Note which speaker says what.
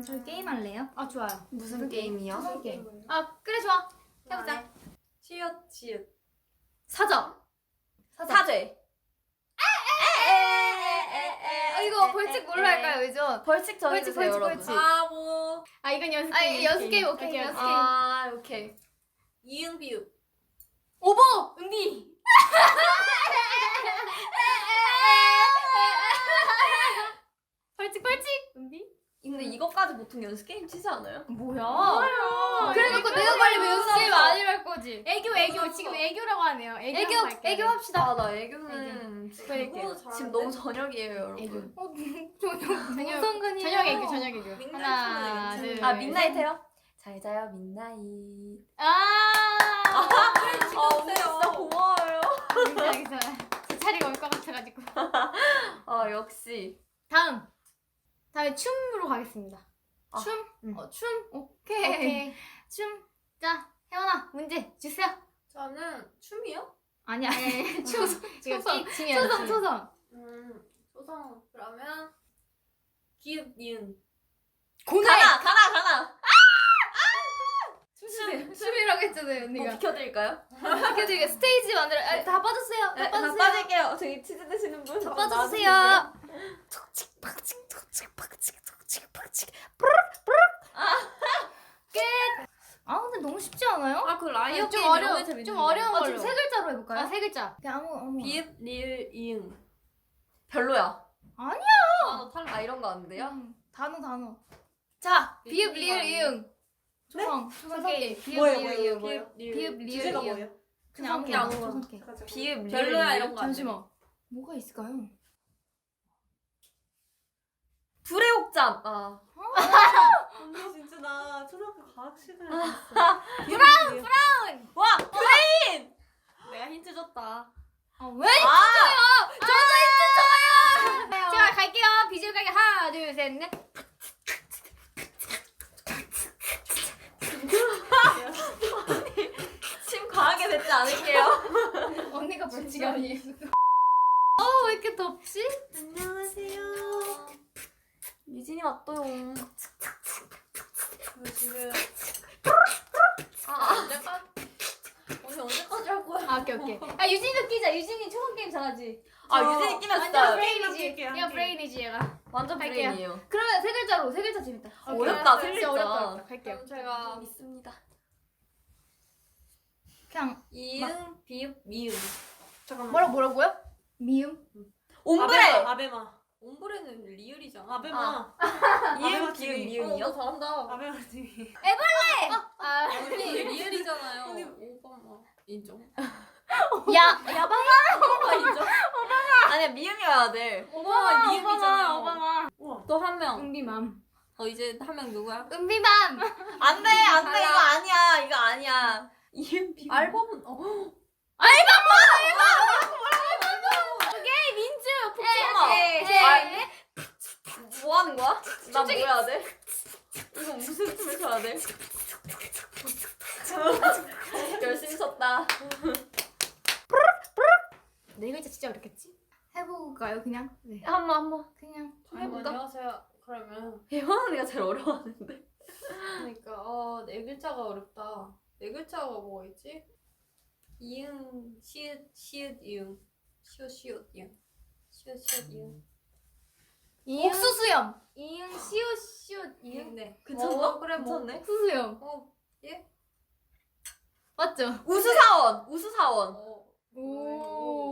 Speaker 1: 저희 게임 할래요?
Speaker 2: 아 좋아요.
Speaker 3: 무슨 게임이요?
Speaker 1: 무슨 게임?
Speaker 2: 아 그래 좋아. 해보자.
Speaker 3: 치읓.
Speaker 2: 사자.
Speaker 3: 사죄.
Speaker 2: 이거 벌칙 뭘로 할까요, 요즘?
Speaker 3: 벌칙 정해주세요,
Speaker 2: 벌칙,
Speaker 3: 여러분.
Speaker 2: 벌칙.
Speaker 3: 뭐.
Speaker 2: 아 이건 연습 게임. 연습 게임 오케이. 연습 게임.
Speaker 3: 아, 오케이.
Speaker 4: 이응 비읍.
Speaker 2: 오보 은비. 벌칙 은비.
Speaker 3: 근데 이것까지 보통 연습 게임 치지 않아요?
Speaker 2: 뭐야? 그래놓고 내가 걸리면 연습 게임 아니랄 거지. 애교 지금 애교라고 하네요. 애교 합시다.
Speaker 3: 아, 나 애교는 지금 너무 저녁이에요, 여러분.
Speaker 2: 저녁 애교. 하나 둘.
Speaker 3: 아, 민나잇 해요? 잘 자요, 민나잇. 언니 진짜 고마워요.
Speaker 2: 알겠어요. 제 차례가 올 것 같아가지고.
Speaker 3: 아, 역시.
Speaker 2: 다음에 춤으로 가겠습니다.
Speaker 3: 아,
Speaker 2: 춤? 춤?
Speaker 1: 오케이.
Speaker 2: 오케이. 춤. 자, 혜원아, 문제 주세요.
Speaker 4: 저는 춤이요?
Speaker 1: 아니야.
Speaker 2: 초성.
Speaker 1: 초성.
Speaker 2: 초성.
Speaker 4: 소성. 그러면 기읍 니은.
Speaker 3: 가나.
Speaker 1: 춤이라고 했잖아요,
Speaker 3: 뭐
Speaker 1: 언니가.
Speaker 3: 비켜드릴까요?
Speaker 1: 비켜드리게 스테이지 만들어. 다 빠졌어요.
Speaker 3: 네, 다 빠질게요. 저기 치즈 드시는 분.
Speaker 1: 다 빠져주세요. 아 근데 너무 쉽지 않아요?
Speaker 4: 아, 그 라이어
Speaker 2: 좀
Speaker 4: 게임
Speaker 2: 어려워.
Speaker 4: 너무 재밌는데.
Speaker 2: 좀 어려운 걸로.
Speaker 1: 지금 세 글자로 해볼까요?
Speaker 2: 아, 세 글자.
Speaker 1: 그냥 아무.
Speaker 4: 비읍 리을 이응.
Speaker 3: 별로야.
Speaker 1: 아니야.
Speaker 4: 아, 탈락.
Speaker 3: 아, 이런 거 안 돼요?
Speaker 1: 단어. 자, 비읍 리을
Speaker 4: 아니에요.
Speaker 1: 이응. 초성 게임. 비읍
Speaker 3: 뭐예요,
Speaker 1: 리을
Speaker 3: 뭐예요,
Speaker 1: 이응.
Speaker 3: 뭐예요?
Speaker 1: 비읍 리을
Speaker 4: 주제가
Speaker 1: 이응.
Speaker 4: 뭐예요?
Speaker 1: 그냥 아무
Speaker 4: 그냥
Speaker 1: 초성
Speaker 4: 아무거나.
Speaker 1: 게임.
Speaker 3: 비읍,
Speaker 4: 별로야
Speaker 3: 리을,
Speaker 4: 이런 거.
Speaker 1: 잠시만. 뭐가 있을까요?
Speaker 3: 불의 옥잠. 아.
Speaker 4: 언니 진짜 나 초등학교 과학 시간에
Speaker 2: 브라운.
Speaker 3: 와, 브레인.
Speaker 4: 내가 힌트 줬다.
Speaker 1: 아 왜?
Speaker 2: 자, 갈게요. 비주얼 가게 하나, 둘, 셋, 넷.
Speaker 3: 침 과하게 뱉지 않을게요.
Speaker 1: 언니가 벌칙 아니에요. 왜 이렇게 덥지?
Speaker 3: 안녕하세요. 유진이 왔어요.
Speaker 4: 지금
Speaker 3: 언제까지?
Speaker 4: 언니 언제까지 할 거야?
Speaker 2: 아, 오케이. 아, 유진이도 끼자. 유진이 초성 게임 잘하지.
Speaker 3: 유진이 끼면
Speaker 2: 완전
Speaker 3: 진짜
Speaker 2: 브레인이지.
Speaker 4: 할게요,
Speaker 2: 얘가
Speaker 4: 할게요.
Speaker 2: 브레인이지, 얘가.
Speaker 3: 완전
Speaker 2: 할게요.
Speaker 3: 브레인이에요.
Speaker 2: 그러면 세 글자로. 세 글자 재밌다.
Speaker 3: 어렵다, 세
Speaker 2: 진짜
Speaker 3: 글자.
Speaker 2: 어렵다. 갈게요.
Speaker 4: 그럼 제가
Speaker 3: 믿습니다.
Speaker 1: 그냥
Speaker 4: 이응 비읍 미음.
Speaker 2: 잠깐만. 뭐라고요?
Speaker 1: 미음.
Speaker 3: 옴브레.
Speaker 4: 아베마. 옴브레는 리을이잖아. 아베마.
Speaker 3: 이응,
Speaker 4: 아베마
Speaker 3: 비읍,
Speaker 4: TV.
Speaker 3: 미음이요?
Speaker 4: 너 잘한다. 아베마 TV.
Speaker 2: 아,
Speaker 4: 언니 리을이잖아요. 오바마 인정.
Speaker 2: 야바마.
Speaker 4: 오바마 인정.
Speaker 3: 아니야, 미음이어야 돼.
Speaker 4: 오바마 미음이잖아요.
Speaker 2: 오바마.
Speaker 4: 또 한 명.
Speaker 2: 은비맘.
Speaker 4: 이제 한 명 누구야?
Speaker 2: 은비맘.
Speaker 3: 안 돼, 이거 아니야, 이거 아니야. 이응, 비음.
Speaker 4: 알범은
Speaker 2: 오케이, 민주.
Speaker 3: 잠깐만. 뭐 하는 거야? 나 뭐 해야 돼? 이거 무슨 춤을 춰야 돼? 열심히 췄다.
Speaker 2: 네 글자 진짜 어렵겠지?
Speaker 1: 해볼까요 그냥? 네.
Speaker 3: 한번.
Speaker 1: 그냥.
Speaker 3: 해볼까?
Speaker 4: 안녕하세요. 그러면
Speaker 3: 혜원 언니가 제일 어려워하는데.
Speaker 4: 그러니까 네 글자가 어렵다. 네 글자가 뭐가 있지? 이응 시읒 이응 시읒 이응 시읒 이응
Speaker 2: 옥수수염. 이응 시옷 이응.
Speaker 4: 네.
Speaker 3: 괜찮나?
Speaker 4: 그래 뭐.
Speaker 3: 괜찮네.
Speaker 2: 옥수수염.
Speaker 4: 예?
Speaker 2: 맞죠?
Speaker 3: 우수사원.
Speaker 4: 오.
Speaker 2: 오.